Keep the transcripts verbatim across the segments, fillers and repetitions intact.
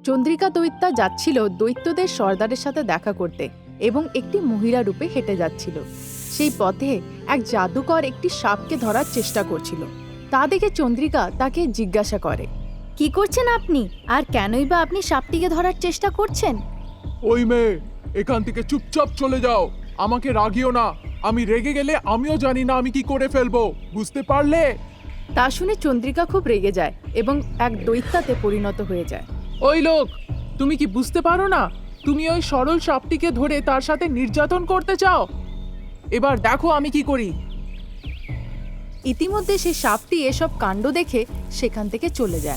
চন্দ্রিকা দৈত্যা যাচ্ছিল দৈত্যদের সর্দারের সাথে দেখা করতে এবং একটি মহিলা রূপে হেঁটে যাচ্ছিল। সেই পথে এক জাদুকর একটি সাপকে ধরার চেষ্টা করছিল। তা দেখে চন্দ্রিকা তাকে জিজ্ঞাসা করে, কি করছেন আপনি, আর কেনই বা আপনি সাপটিকে ধরার চেষ্টা করছেন? ওই মেয়ে, এখান থেকে চুপচাপ চলে যাও, আমাকে রাগিও না। আমি রেগে গেলে আমিও জানি না আমি কি করে ফেলবো, বুঝতে পারলে? তা শুনে চন্দ্রিকা খুব রেগে যায় এবং এক দৈত্যাতে পরিণত হয়ে যায়। ওই লোক, তুমি কি বুঝতে পারো না? তুমি ওই সরল সাপটিকে ধরে তার সাথে নির্যাতন করতে চাও। এবার দেখো আমি কি করি। ইতিমধ্যে সেই সাপটি এসব কাণ্ড দেখে সেখান থেকে চলে যায়।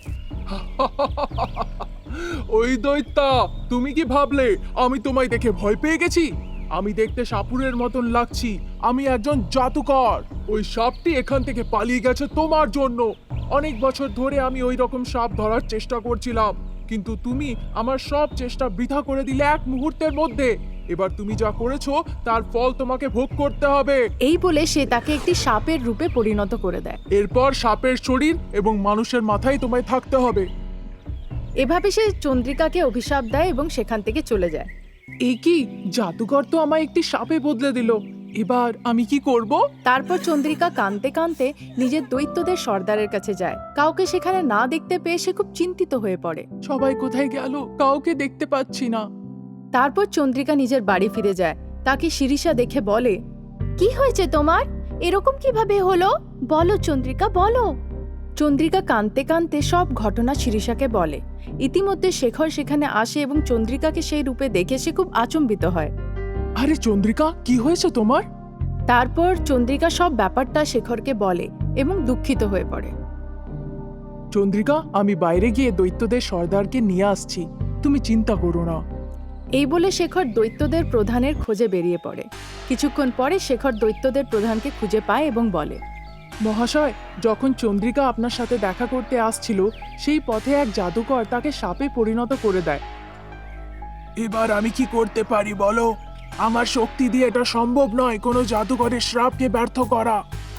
ওই দৈত্যা, তুমি কি ভাবলে আমি তোমায় দেখে ভয় পেয়ে গেছি? আমি দেখতে সাপুরের মতন লাগছি, আমি একজন জাদুকর। ওই সাপটি এখান থেকে পালিয়ে গেছে তোমার জন্য। অনেক বছর ধরে আমি ওই রকম সাপ ধরার চেষ্টা করছিলাম, কিন্তু তুমি আমার সব চেষ্টা বৃথা করে দিলে এক মুহূর্তের মধ্যে। এবার তুমি যা করেছো তার ফল তোমাকে ভোগ করতে হবে। এই বলে সে তাকে একটি সাপের রূপে পরিণত করে দেয়। এরপর সাপের শরীর এবং মানুষের মাথায় তোমায় থাকতে হবে। এভাবে সে চন্দ্রিকাকে অভিশাপ দেয় এবং সেখান থেকে চলে যায়। এই কি, জাদুকর তো আমায় একটি সাপে বদলে দিল। এবার আমি কি করব? তারপর চন্দ্রিকা কাঁদতে কাঁদতে নিজের দৈত্যদের সর্দারের কাছে যায়। কাউকে সেখানে না দেখতে পেয়ে সে খুব চিন্তিত হয়ে পড়ে। সবাই কোথায় গেল? কাউকে দেখতে পাচ্ছি না। তারপর চন্দ্রিকা নিজের বাড়ি ফিরে যায়। তাকে শিরিষা দেখে বলে, কি হয়েছে তোমার? এরকম কিভাবে হলো? বলো চন্দ্রিকা, বলো। চন্দ্রিকা কাঁদতে কাঁদতে সব ঘটনা শিরিষাকে বলে। ইতিমধ্যে শেখর সেখানে আসে এবং চন্দ্রিকাকে সেই রূপে দেখে সে খুব আচম্বিত হয়। আরে চন্দ্রিকা, কি হয়েছে তোমার? তারপর চন্দ্রিকা সব ব্যাপারটা শেখরকে বলে এবং দুঃখিত হয়ে পড়ে। চন্দ্রিকা, আমি বাইরে গিয়ে দৈত্যদের সর্দারকে নিয়ে আসছি, তুমি চিন্তা করো না। এই বলে শেখর দৈত্যদের প্রধানের খোঁজে বেরিয়ে পড়ে। কিছুক্ষণ পরে শেখর দৈত্যদের প্রধানকে খুঁজে পায় এবং বলে, মহাশয়, যখন চন্দ্রিকা আপনার সাথে দেখা করতে আসছিল সেই পথে এক জাদুকর তাকে সাপে পরিণত করে দেয়। এবার আমি কি করতে পারি বলো? আমার শক্তি দিয়ে এটা সম্ভব নয় কোনো জাদুকরের শ্রাপকে ব্যর্থ করা।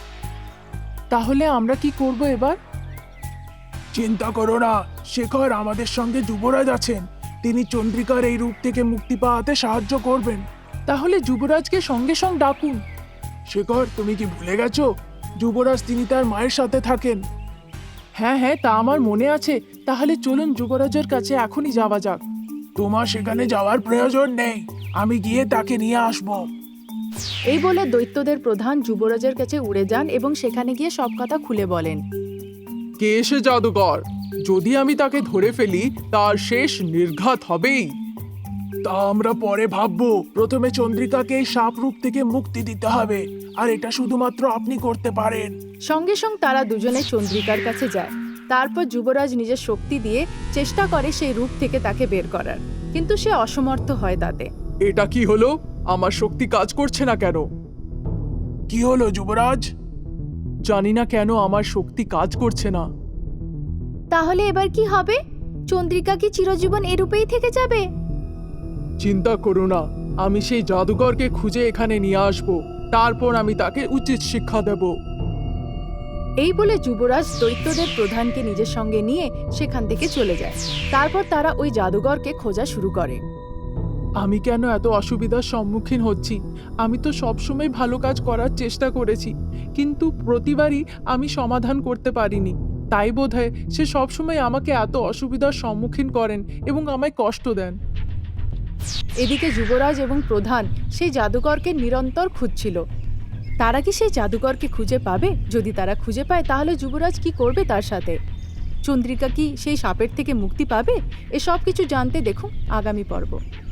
তাহলে আমরা কি করব এবার? চিন্তা করো না, শেখর আমাদের সঙ্গে যুবরাজ আছেন, তিনি চন্দ্রিকার এই রূপ থেকে মুক্তি পাওয়াতে সাহায্য করবেন। তাহলে যুবরাজকে সঙ্গে সঙ্গে ডাকুন। শেখর, তুমি কি ভুলে গেছো? যুবরাজ তিনি তার মায়ের সাথে থাকেন। হ্যাঁ হ্যাঁ, তা আমার মনে আছে। তাহলে চলুন যুবরাজের কাছে এখনই যাওয়া যাক। তোমার সেখানে যাওয়ার প্রয়োজন নেই, আমি গিয়ে তাকে নিয়ে আসব। এই বলে দৈত্যদের প্রধান যুবরাজের কাছে উড়ে যান এবং সেখানে গিয়ে সব কথা খুলে বলেন। কে এসে জাদুকর? যদি আমি তাকে ধরে ফেলি তার শেষ নির্ঘাত হবেই। তা আমরা পরে ভাববো, প্রথমে চন্দ্রিকাকে এই সাপ রূপ থেকে মুক্তি দিতে হবে, আর এটা শুধুমাত্র আপনি করতে পারেন। সঙ্গে সঙ্গে তারা দুজনে চন্দ্রিকার কাছে যায়। তারপর যুবরাজ নিজের শক্তি দিয়ে চেষ্টা করে সেই রূপ থেকে তাকে বের করার, কিন্তু সে অসমর্থ হয় তাতে। এটা কি হলো? আমার শক্তি কাজ করছে না কেন? কি হলো যুবরাজ? জানি না কেন আমার শক্তি কাজ করছে না। তাহলে এবার কি হবে? চন্দ্রিকা কি চিরজীবন এ রূপেই থেকে যাবে? চিন্তা করো না, আমি সেই জাদুকরকে খুঁজে এখানে নিয়ে আসব, তারপর আমি তাকে উচিত শিক্ষা দেব। এই বলে যুবরাজ দৈত্যদের প্রধানকে নিজের সঙ্গে নিয়ে সেখান থেকে চলে যায়। তারপর তারা ওই জাদুকরকে খোঁজা শুরু করে। আমি কেন এত অসুবিধার সম্মুখীন হচ্ছি? আমি তো সবসময় ভালো কাজ করার চেষ্টা করেছি, কিন্তু প্রতিবারই আমি সমাধান করতে পারিনি। তাই বোধহয় সে সবসময় আমাকে এত অসুবিধার সম্মুখীন করেন এবং আমায় কষ্ট দেন। এদিকে যুবরাজ এবং প্রধান সেই জাদুকরকে নিরন্তর খুঁজছিল। তারা কি সেই জাদুকরকে খুঁজে পাবে? যদি তারা খুঁজে পায় তাহলে যুবরাজ কি করবে তার সাথে? চন্দ্রিকা কি সেই সাপের থেকে মুক্তি পাবে? এসব কিছু জানতে দেখুন আগামী পর্ব।